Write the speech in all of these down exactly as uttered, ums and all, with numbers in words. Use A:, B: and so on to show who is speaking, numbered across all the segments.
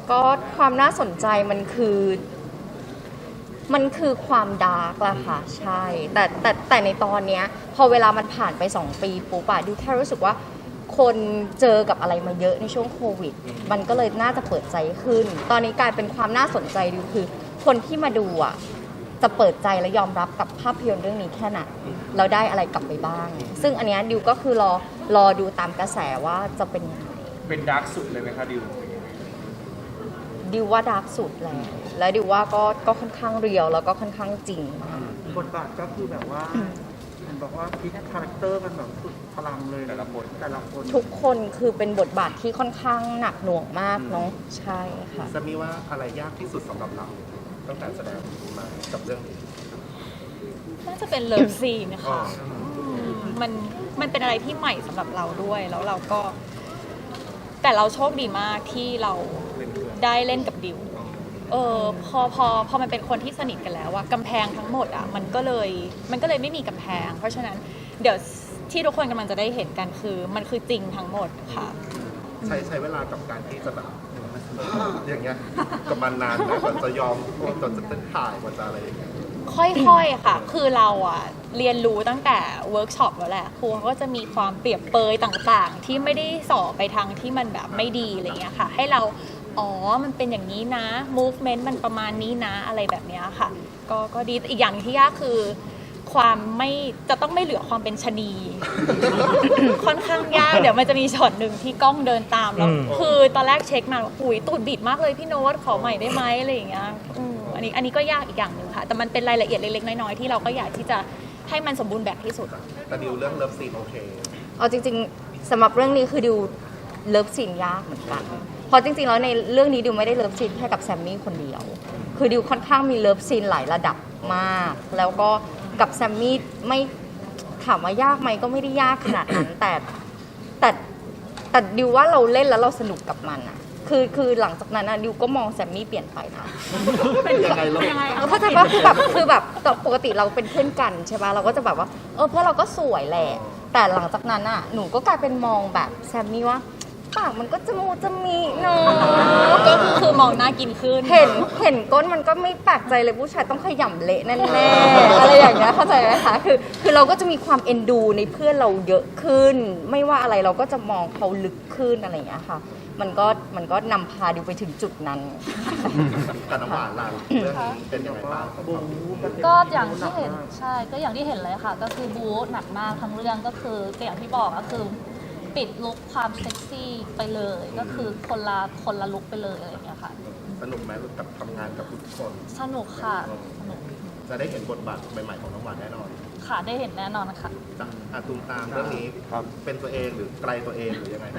A: ก็ความน่าสนใจมันคือมันคือความดาร์กละค่ะใช่แต่แต่แต่ในตอนเนี้ยพอเวลามันผ่านไปสองปีปุ๊บอะดิวแค่รู้สึกว่าคนเจอกับอะไรมาเยอะในช่วงโควิดมันก็เลยน่าจะเปิดใจขึ้นตอนนี้กลายเป็นความน่าสนใจดิวคือคนที่มาดูอะจะเปิดใจและยอมรับกับภาพยนตร์เรื่องนี้แค่ไหนเราได้อะไรกลับไปบ้างซึ่งอันเนี้ยดิวก็คือรอรอดูตามกระแสว่าจะเป็นยังไง
B: เป็นดาร์กสุดเลยไหมคะดิว
A: ดิวว่าดาร์กสุดแล้วและดิวว่าก็ก็ค่อนข้างเรียวแล้วก็ค่อนข้างจริงมาก
C: บทบาทก็คือแบบว่าเห็นบอกว่าพลิกคาแรคเตอร์มันแบบสุดพลังเลยแต่ละคนแต่ละคน
A: ทุกคนคือเป็นบทบาทที่ค่อนข้างหนักหน่วงมากเนาะใช่ค่ะ
D: จะมีว่าอะไรยากที่สุดสำหรับเราตั้งแต่แสดงมากับเรื่องนี้
E: น่าจะเป็นเลิฟซีนนะคะมันมันเป็นอะไรที่ใหม่สำหรับเราด้วยแล้วเราก็แต่เราโชคดีมากที่เราได้เล่นกับดิวเออพอพอพอมันเป็นคนที่สนิทกันแล้วอะกำแพงทั้งหมดอะมันก็เลยมันก็เลยไม่มีกำแพงเพราะฉะนั้นเดี๋ยวที่ทุกคนกำลังจะได้เห็นกันคือมันคือจริงทั้งหมดค่ะ
D: ใช้ใช้เวลากับการที่จะแบบอย่างเงี้ยกับมันนานนะกว่าจะยอมกว่าจะถ่ายกว่าจะอะไรอย่างเงี้ย
E: ค่อยๆค่ะคือเราอะเรียนรู้ตั้งแต่เวิร์กช็อปแล้วแหละครูเขาก็จะมีความเปรียบเปยต่างๆที่ไม่ได้สอบไปทางที่มันแบบไม่ดีอะไรเงี้ยค่ะให้เราอ๋อมันเป็นอย่างนี้นะ movement มันประมาณนี้นะอะไรแบบนี้ค่ะก็ก็ดีอีกอย่างที่ยากคือความไม่จะต้องไม่เหลือความเป็นชนี ค่อนข้างยากเดี๋ยวมันจะมีช็อตหนึ่งที่กล้องเดินตามแล้วคือตอนแรกเช็คมาว่าอุ้ยตูดบิดมากเลยพี่โน้ตขอใหม่ได้ไหมอะไรอย่างเงี้ยอันนี้อันนี้ก็ยากอีกอย่างหนึ่งค่ะแต่มันเป็นรายละเอียดเล็กๆน้อยๆที่เราก็อยากที่จะให้มันสมบูรณ์แบบที่สุด
D: แต่ดิวเรื่องเลิฟซีนโอเค
A: เอาจริงๆสำหรับเรื่องนี้คือดิวเลิฟซีนยากเหมือนกันเพราะจริงๆแล้วในเรื่องนี้ดิวไม่ได้เลิฟซีนแค่กับแซมมี่คนเดียวคือดิวค่อนข้างมีเลิฟซีนหลายระดับมากแล้วก็กับแซมมี่ไม่ถามว่ายากไหมก็ไม่ได้ยากขนาดนั้นแต่แต่แต่ดิวว่าเราเล่นแล้วเราสนุกกับมันอะคือคือหลังจากนั้นดิวก็มองแซมมี่เปลี่ยนไปนะ
D: ยังไงลูก
A: เข้าใจว่าคือแบบคือแบบปกติเราเป็นเพื่อนกันใช่ป่ะเราก็จะแบบว่าเออเพื่อนเราก็สวยแหละแต่หลังจากนั้นอะหนูก็กลายเป็นมองแบบแซมมี่ว่าปากมันก็จมูกจะมีเนาะ
E: ก็คือมองน่ากินขึ้น
A: เห็นเห็นก้นมันก็ไม่แปลกใจเลยผู้ชายต้องขยำเละแน่ๆอะไรอย่างเงี้ยเข้าใจไหมคะคือคือเราก็จะมีความเอ็นดูในเพื่อนเราเยอะขึ้นไม่ว่าอะไรเราก็จะมองเขาลึกขึ้นอะไรอย่างเงี้ยค่ะมันก็มันก็นำพาดิวไปถึงจุดนั้น
D: แต่น้ำหวานล่ะเรื่องนี้เป็นยังไงบ้าง
F: ก็อย่างที่เห็นใช่ก็อย่างที่เห็นเลยค่ะก็คือบู๊หนักมากทั้งเรื่องก็คืออย่างที่บอกก็คือปิดลุคความเซ็กซี่ไปเลยก็คือคนละคนละลุคไปเลยอะไรอย่างเงี้ยค่ะ
D: สนุกไหมกับทำงานกับทุกคน
F: สนุกค่ะสนุก
D: จะได้เห็นบทบาทใหม่ๆของน้องหวานแน่นอน
F: ค่ะได้เห็นแน่นอนค่ะ
D: จากอาตุมตามเรื่องนี้เป็นตัวเองหรือไกลตัวเองหรือยังไง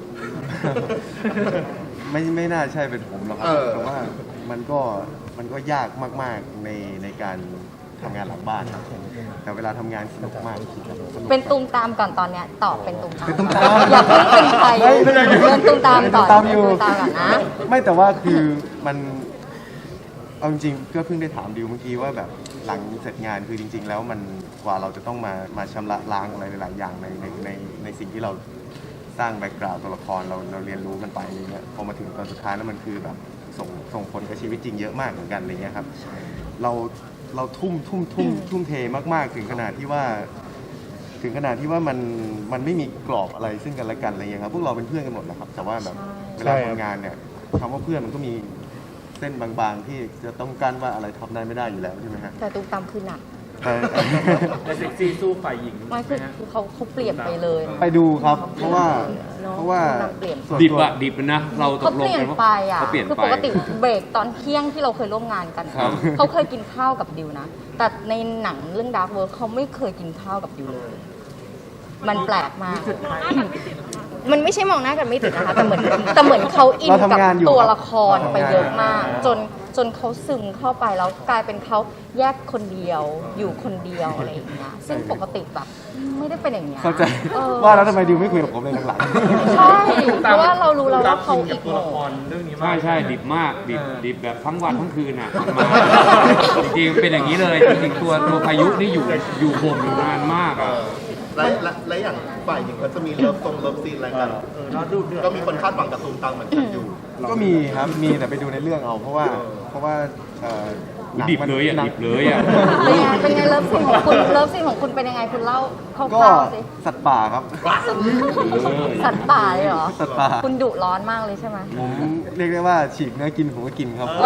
G: ไม่ไม่น่าใช่เป็นผมหรอกครับแต่ว่ามันก็มันก็ยากมากๆในในการทำงานหลังบ้านครับแต่เวลาทำงานสนุกมาก
A: เป็นตูมตามก่อนตอนเนี้ยตอบเป็นตูมตามอย่าเพิ่งเป็นใครเป็นตูมตามก่อนตูมตามก่อนนะ
G: ไม่แต่ว่าคือมันเอาจริงก็เพิ่งได้ถามดิวเมื่อกี้ว่าแบบหลังเสร็จงานคือจริงๆแล้วมันกว่าเราจะต้องมามาชำระล้างอะไรหลายๆอย่างในในในในสิ่งที่เราสร้างแบ็กกราวด์ตัวละครเราเราเรียนรู้กันไปอะไรเงี้ยพอมาถึงตอนสุดท้ายแล้วมันคือแบบส่งส่งผลกับชีวิตจริงเยอะมากเหมือนกันอะไรเงี้ยครับเราเราทุ่มทุ่มทุ่มทุ่มเทมากๆถึงขนาดที่ว่าถึงขนาดที่ว่ามันมันไม่มีกรอบอะไรซึ่งกันและกันอะไรเงี้ยครับพวกเราเป็นเพื่อนกันหมดแหละครับแต่ว่าแบบเวลาทำงานเนี่ยคำว่าเพื่อนมันก็มีเส้นบางๆที่จะต้องกั้นว่าอะไรทำได้ไม่ได้อยู่แล้วใช่ไหมฮะ
A: แต่ตูมตามคือหนัก
B: แต่เซ็กซี่สู้ฝ่ายหญิง
A: ไม่คือเขาเขาเปลี่ยนไปเลย
G: ไปดูครับเพราะว่าเพราะว่า
B: ดิบอะดิบนะเราตกลงกันว่า
A: เขาเปลี่ยนไปอ่ะคือปกติเบรกตอนเที่ยงที่เราเคยร่วมงานกันเขาเคยกินข้าวกับดิวนะแต่ในหนังเรื่อง Dark Work เขาไม่เคยกินข้าวกับดิวเลยมันแปลกมากมันไม่ใช่มองหน้ากันไม่ติดนะคะแต่เหมือนแต่เหมือนเขาอินกับตัวละครไปเยอะมากจนจนเขาซึมเข้าไปแล้วกลายเป็นเขาแยกคนเดียวอยู่คนเดียวอะไรอย่างเงี้ยซึ่งปกติแบบไม่ได้เป็นอย่างเงี้ย
G: เข้าใจว่าแล้วทำไมดิวไม่คุยกับผมเลยหลัง
A: ๆใช่เพราะว่าเรารู้แล้วว่าเขาอีก
B: ตัวละครเรื่องนี้ใช่ใช่ดิบมากดิบดิบแบบทั้งวันทั้งคืนอ่ะจริงๆเป็นอย่างนี้เลยจริงๆตัวตัวพายุนี่อยู่อยู่บ่มอยู่นานมากอ่ะ
D: และและและอย่างฝ่ายหญิงก็จะมีเลิฟทรงเลิฟซีนอะไรกัน
C: เออเราดูเดือด
D: ก็มีคนคาดหวังกับตูมตามเหมือนกันอยู่
G: ก็มีครับมีแต่ไปดูในเรื่องเอา เพราะว่าเพราะว่าเอ่อหนัง
B: ดิบ
G: มัน
B: เลยอ่ะ
G: หนัง
B: ดิบเลยอ่ะ
A: เป็นไงเป็นไงเลิฟซีนของคุณเลิฟซีนของคุณเป็นยังไงคุณเล่าค
G: ก็
A: ร่าวๆสิ
G: สัตว์ป่าครับ
A: สัตว์ป่าเลยเหรอ
G: สัตว์ป่า
A: คุณดุร้อนมากเลยใช่ไหม
G: ผมเรียกได้ว่าฉีกเนื้อกินผมก็กินครับ
A: เอ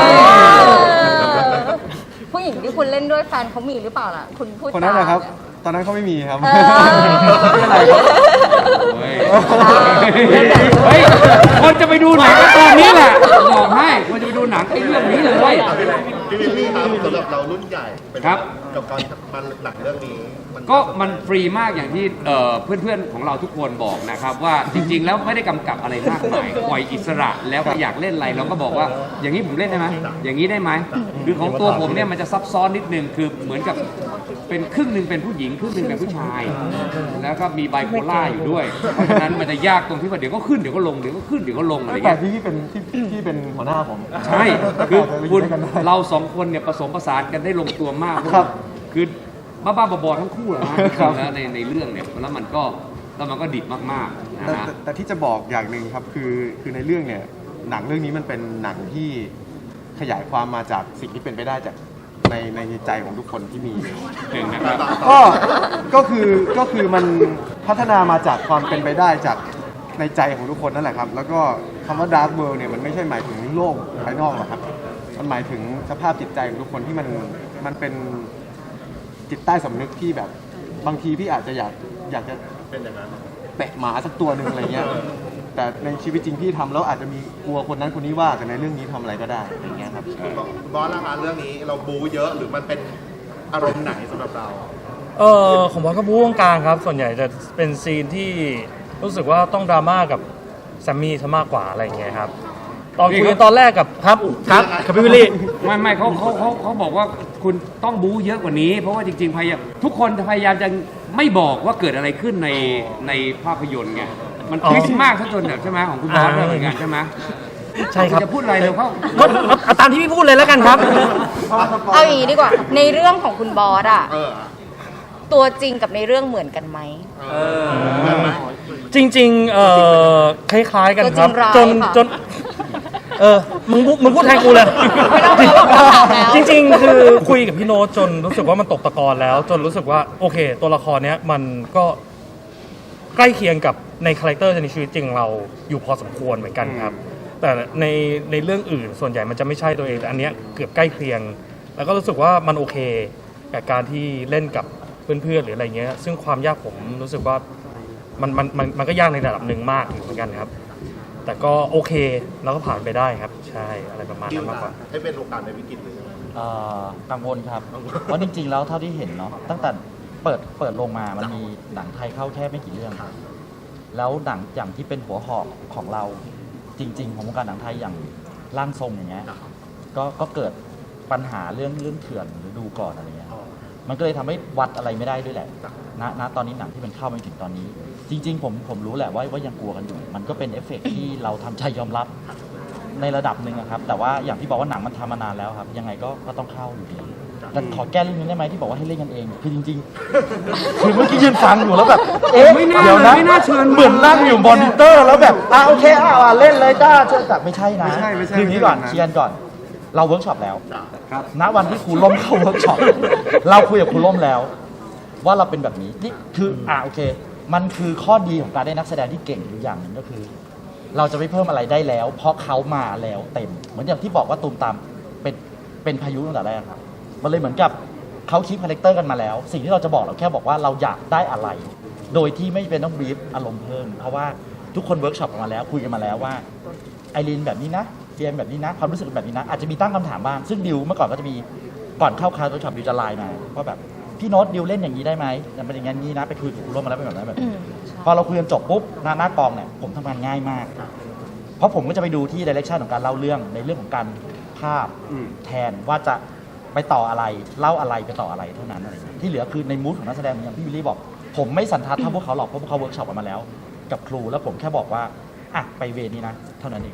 A: อผู้หญิงที่คุณเล่นด้วยแฟนเขามีหรือเปล่าล่ะ คุณพูด
G: คนนั้น
A: จา
G: นะครับ ตอนนั้นเขาไม่มีครับ
A: เออ
G: ไม่เป็นไรครับ
B: เฮ้ย เฮ้ย คนจะไปดูหนังก็ตอนนี้แหละ บอกให้ คนจะไปดูหนังไอ้เรื่องนี้เลย
D: พี่วิลลี่ครับสำหรับเรารุ่นใหญ่เป็น
B: ครับ
D: กับการมันหนังเรื่องนี้มัน
B: ก็มันฟรีมากอย่างที่เอ่อเพื่อนๆของเราทุกคนบอกนะครับ ว่าจริงๆแล้วไม่ได้กำกับอะไรมากมายปล่อยอิสระแล้วก็อยากเล่นอะไรเราก็บอกว่าอย่างนี้ผมเล่นได้ไหมอย่างนี้ได้ไหมคือของตัวผมเนี่ยมันจะซับซ้อนนิดนึงคือเหมือนกับเป็นครึ่งหนึ่งเป็นผู้หญิงครึ่งหนึ่งเป็นผู้ชาย แล้วก็มีไบโพล่าอยู่ด้วยเพราะฉะนั้นมันจะยากตรงที่ว่าเดี๋ยวก็ขึ้นเดี๋ยวก็ลงเดี๋ยวก็ขึ้นเดี๋ยวก็ลงอะไร
G: แต่
B: เงี้ย
G: ที่พี่เป็นที่ที่เป็นหัวหน้าผม
B: ใช่คือ
G: อาจจะไป
B: คุณ
G: ด้วยกันได้
B: เราสองคนเนี่ยผสมผสานกันได้ลงตัวมาก
G: ครับ
B: คือบ้าๆบอๆทั้งคู่แหละนะครับ แล้วในในเรื่องเนี่ยแล้วมันก็แล้วมันก็ดิบมากๆนะ
G: แต่
B: ฮะ
G: แต่แต่ที่จะบอกอย่างหนึ่งครับคือคือในเรื่องเนี่ยหนังเรื่องนี้มันเป็นหนังที่ขยายความมาจากสิ่งที่เป็นไปได้จากในในใจของทุกคนที่มี
B: หนึ่งนะครับ
G: ก็ก็คือก็คือมันพัฒนามาจากความเป็นไปได้จากในใจของทุกคนนั่นแหละครับ แล้วก็คำว่า dark world เนี่ยมันไม่ใช่หมายถึงโลกภายนอกหรอกครับ มันหมายถึงสภาพจิตใจของทุกคนที่มันมันเป็นจิตใต้สำนึกที่แบบบางทีพี่อาจจะอยากอยากจะ
D: เป็นอย่างนั้น
G: เตะหมาสักตัวหนึ่งอะไรเงี้ย แต่ในชีวิตจริงพี่ทำแล้วอาจจะมีกลัวคนนั้นคนนี้ว่าแต่ในเรื่องนี้ทำอะไรก็ได้อะไรเงี้ยครับ
D: บอสนะคะเรื่องนี้เราบู๊เยอะหรือมันเป็นอารมณ์ไหนสำหรับเรา
H: เออของบอสก็บู๊กลางๆครับ ส่วนใหญ่จะเป็นซีนที่รู้สึกว่าต้องดราม่ากับแซมมี่ซะมากกว่าอะไรอย่างเงี้ยครับ ตอนคุยกันตอนแรกกับครับครับกับพี่วิลลี่
B: ไม่ไม่เขาเขาเขาเขาบอกว่าคุณต้องบู๊เยอะกว่านี้ เพราะว่าจริงๆพยายามทุกคนพยายามจะไม่บอกว่าเกิดอะไรขึ้นในในภาพยนตร์ไงมัน
H: อ๋อ
B: คลิกมากซะจนแบบใช่ไหมของคุณบอสด้วยเหมือนกันใช่ไหม
H: ใช่ครับ
B: ณจะพูดอะไรเร็วเข้า
H: ก็เอาเอาตามที่พี่พูดเลยแล้วกันครับ
A: เอาอย่างนี้ดีกว่า ในเรื่องของคุณบอสอะ
D: เออ
A: ตัวจริงกับในเรื่องเหมือนกันไหม
D: เออเหมือนไหม
H: จริงๆเอ่อคล้ายๆกันครับ
A: ตัวจริงร้าย
H: จน
A: ค่ะ
H: จนเออมึงพูดมึงพูดแทนกูเลย
A: ไม่ต้องไม่ต้องถามแล้ว
H: จริงๆ คือคุยกับพี่โน้ตจนรู้สึกว่ามันตกตะกอนแล้ว จนรู้สึกว่าโอเค ตัวละครเนี้ยมันก็ใกล้เคียงกับในคาแรคเตอร์ในชีวิตจริงเราอยู่พอสมควรเหมือนกันครับ แต่ในในเรื่องอื่นส่วนใหญ่มันจะไม่ใช่ตัวเองแต่อันเนี้ยเกือบใกล้เคียง แล้วก็รู้สึกว่ามันโอเคกับการที่เล่นกับเพื่อนๆหรืออะไรเงี้ย ซึ่งความยากผมรู้สึกว่ามันมันมันมันก็ยากในระดับหนึ่งมากอยู่เหมือนกันครับ แต่ก็โอเคแล้วก็ผ่านไปได้ครับ ใช่อะไรประมาณ
D: คิ
H: นั้
D: วน
H: มากก
D: ล่ะ
H: ว่า
D: ให้เป็นโอกาสในวิกฤตหรือยังไง
I: เอ่อกังวลครับเพราะจริงๆแล้วเท่าที่เห็นเนาะตั้งแต่เปิดเปิดลงมามันมีหนังไทยเข้าแค่ไม่กี่เรื่องครับแล้วหนังอย่างที่เป็นหัวหอกของเราจริงๆของวงการหนังไทยอย่างร่างทรงอย่างเงี้ยก็ก็เกิดปัญหาเรื่องเรื่องเถื่อนหรือดูก่อนอะไรเงี้ยมันก็เลยทำให้วัดอะไรไม่ได้ด้วยแหละณณตอนนี้หนังที่มันเข้ามาถึงตอนนี้ จริง ๆ ผมผมรู้แหละว่าว่ายังกลัวกันอยู่ มันก็เป็นเอฟเฟกต์ที่เราทำใจยอมรับในระดับหนึ่งอะครับแต่ว่าอย่างที่บอกว่าหนังมันทำมานานแล้วครับยังไงก็ก็ต้องเข้าอยู่ดีแต่ขอแก้เรื่องนี้ได้ไหมที่บอกว่าให้เล่นกันเองคือจริงๆ คือเมื่อกี้ยืนฟังอยู่แล้วแบบเอ๊ะ
B: ไม่น่า
I: เดี๋ยวนะ
B: ไม่น่าเชิญ
I: เหมือนนั่งอยู่มอนิเตอร์แล้วแบบอ่ะโอเคอ่ะอ่ะเล่นเลยจ้าเชิญแต่ไม่ใช่นะ
G: ไม่ใช่ไม่ใช่
I: คืออย่างนี้ก่อน
G: ไม่ใช่
I: เคลียร์ก่อน เราเวิร์กช็อปแล้ว
G: ครับ
I: ณวันที่ครูล่มเข้าเวิร์กช็อปเราคุยกับครูล่มแล้ว ว่าเราเป็นแบบนี้นี่คืออ่ะโอเค มันคือข้อดีของการได้นักแสดงที่เก่งอยู่อย่างหนึ่งก็คือ เราจะไม่เพิ่มอะไรได้แล้ว เพราะเขามาแล้วเต็ม เหมือนอย่างที่บอกว่าตูมตามเป็นเป็นพายุตั้งแต่แรกครับมันเลยเหมือนกับเขาคิดคาแรคเตอร์กันมาแล้ว สิ่งที่เราจะบอกเราแค่บอกว่าเราอยากได้อะไร โดยที่ไม่เป็นต้องบีฟอารมณ์เพิ่มเพราะว่าทุกคนเวิร์กช็อปกันมาแล้วคุยกันมาแล้วว่าไอรีนแบบนี้นะเฟียมแบบนี้นะความรู้สึกแบบนี้นะอาจจะมีตั้งคำถามบ้างซึ่งดิวเมื่อก่อนก็จะมีก่อนเข้าคลาสเวิร์กช็อปดิวจะไลน์มาว่าแบบพี่โน้ตดิวเล่นอย่างนี้ได้ไหมมันเป็นอย่างนี้นะไปคุยกับครูร่วมมาแล้วเป็นแบบนั้นแบบนี้พอเราคุยกันจบปุ๊บหน้าหน้ากองเนี่ยผมทำงานง่ายมาก เพราะผมก็จะไปดูที่ดิเรกชันของการเล่าเรื่องในเรื่องของการภาพ
G: อืม
I: แทนว่าจะไปต่ออะไรเล่าอะไรไปต่ออะไรเท่านั้นอะไรอย่างเงี้ยที่เหลือคือในมูดของนักแสดงอย่างที่วิลลี่บอก ผมไม่สันทัดเท่าพวกเขาหรอกเพราะพวกเขาเวิร์กช็อปกันมาแล้ว กับครูแล้วผมแค่บอกว่าอ่ะไปเวรนี้นะเท่านั้นเอง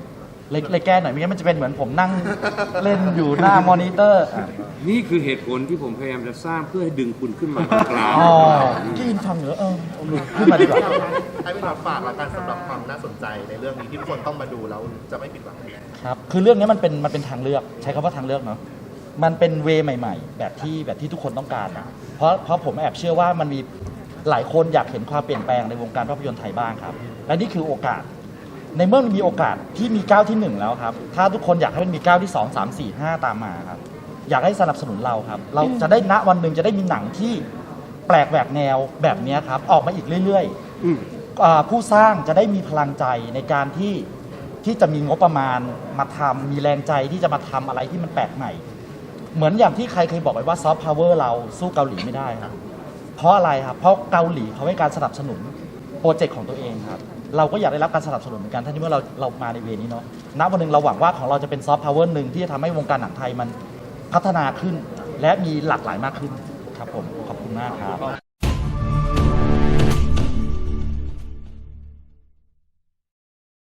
I: เลยเลยแก้หน่อยไม่งั้นมันจะเป็นเหมือนผมนั่งเล่นอยู่หน้ามอนิเตอร์อ่ะ
B: นี่คือเหตุผลที่ผมพยายามจะสร้างเพื่อให้ดึงคุณขึ้นมาตรงกลาง
I: อ๋อที่อินฟังเหรอเออขึ้นมาดีกว่า
D: ให้พี่น็อตฝากละกันสำหรับความน่าสนใจในเรื่องนี้ที่ทุกคนต้องมาดูแล้วจะไม่ผิดหวังแน่
I: ครับ คือเรื่องนี้มันเป็นมันเป็นทางเลือก ใช้คำว่าทางเลือกเนาะ มันเป็นเวย์ใหม่ ๆ แบบที่แบบที่ทุกคนต้องการนะเพราะเพราะผมแอบเชื่อว่ามันมีหลายคนอยากเห็นความเปลี่ยนแปลงในวงการภาพยนตร์ไทยบ้างครับ และนี่คือโอกาส ในเมื่อมันมีโอกาสที่มีก้าวที่หนึ่งแล้วครับ ถ้าทุกคนอยากให้มันมีก้าวที่สองสามสี่ห้าตามมาครับ อยากให้สนับสนุนเราครับ เราจะได้ณวันหนึ่งจะได้มีหนังที่แปลกแหวกแนวแบบนี้ครับ ออกมาอีกเรื่อยๆอ่าผู้สร้างจะได้มีพลังใจในการที่ที่จะมีงบประมาณมาทำมีแรงใจที่จะมาทำอะไรที่มันแปลกใหม่ เหมือนอย่างที่ใครเคยบอกไว้ว่าซอฟต์พาวเวอร์เราสู้เกาหลีไม่ได้ครับ เพราะอะไรครับ เพราะเกาหลีเขาให้การสนับสนุนโปรเจกต์ของตัวเองครับ เราก็อยากได้รับการสนับสนุนเหมือนกันถ้าที่เมื่อเราเรามาในเวนี้เนาะ ณ วันหนึ่งเราหวังว่าของเราจะเป็นซอฟต์พาวเวอร์หนึ่งที่จะทำให้วงการหนังไทยมันพัฒนาขึ้น และมีหลากหลายมากขึ้นครับผม ขอบคุณมากครับ